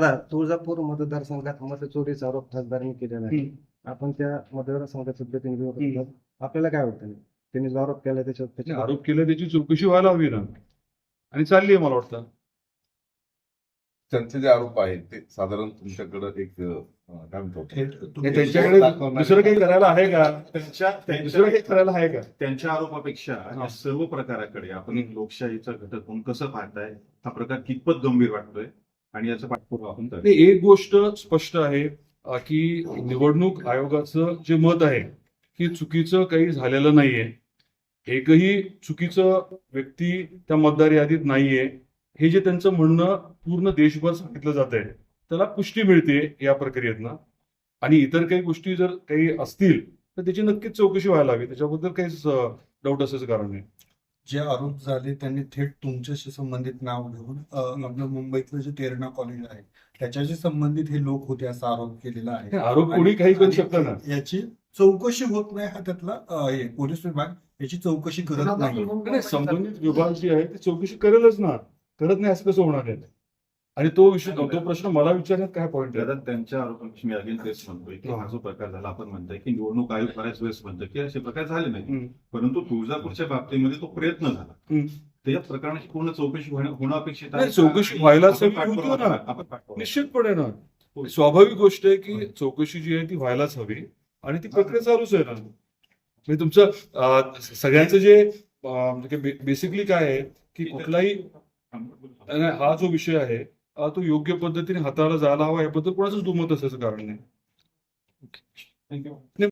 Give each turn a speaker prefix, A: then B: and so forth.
A: दादा, तुळजापूर मतदारसंघात मतचोरीचा आरोप खासदारांनी केलेला आहे. आपण त्या मतदारसंघाचं प्रतिनिधित्व करतात. आपल्याला काय वाटतं त्यांनी जो आरोप केला त्याच्यावर
B: आरोप केला त्याची चौकशी व्हायला हवी ना, आणि चालली आहे मला वाटतं.
C: त्यांचे जे आरोप आहेत ते साधारण तुमच्याकडे एक काय म्हणतो
B: त्यांच्याकडे दुसरं काही करायला आहे का? दुसरं काही करायला आहे का?
D: त्यांच्या आरोपापेक्षा या सर्व प्रकाराकडे आपण एक लोकशाहीचा घटक म्हणून कसं पाहताय, हा प्रकार कितपत गंभीर वाटतोय आणि याचा पाठपुरावा आपण करतोय.
B: नाही, एक गोष्ट स्पष्ट आहे की निवडणूक आयोगाचं जे मत आहे की चुकीचं काही झालेलं नाहीये, एकही चुकीचं व्यक्ती त्या मतदार यादीत नाहीये, हे जे त्यांचं म्हणणं पूर्ण देशभर सांगितलं जात आहे, त्याला पुष्टी मिळते या प्रक्रियेतनं. आणि इतर काही गोष्टी जर काही असतील तर त्याची नक्कीच चौकशी व्हायला हवी, त्याच्याबद्दल काहीच डाऊट असायचं कारण नाही.
E: जे आरोप झाले त्यांनी थेट तुमच्याशी संबंधित नाव घेऊन आपलं मुंबईतलं जे तेरणा कॉलेज आहे त्याच्याशी संबंधित हे लोक होते असा आरोप केलेला आहे.
B: आरोप कोणी काही करू शकतं ना.
E: याची चौकशी होत नाही हा त्यातला हे पोलीस विभाग याची चौकशी करत नाही.
B: नाही, संबंधित विभाग जे आहे ते चौकशी करेलच ना, करत नाही असं कसं होणार आहे? आणि तो विषय, तो प्रश्न मला विचारण्यात काय पॉईंट आहे?
D: दादा, त्यांच्या आरोपापेक्षा मी अगेन तेच म्हणतोय की हा जो प्रकार झाला, आपण म्हणतोय की निवडणूक आयोग बऱ्याच वेळेस म्हणतं की असे प्रकार झाले नाही, परंतु तुळजापूरच्या बाबतीमध्ये तो प्रयत्न झाला. त्या प्रकरणाची पूर्ण चौकशी होणं अपेक्षित आहे.
B: चौकशी व्हायलाच हवी
D: आपण
B: होती ना.
D: पाठपुरावा
B: निश्चितपणे ना, स्वाभाविक गोष्ट आहे की चौकशी जी आहे ती व्हायलाच हवी आणि ती प्रक्रिया चालूच आहे ना. म्हणजे तुमचं सगळ्यांचं जे बेसिकली काय आहे की कुठलाही हा जो विषय आहे तो योग्य पद्धतीने हाताळला जायला हवा, याबद्दल कोणाचंच दुमत असायचं कारण नाही.
D: थँक्यू.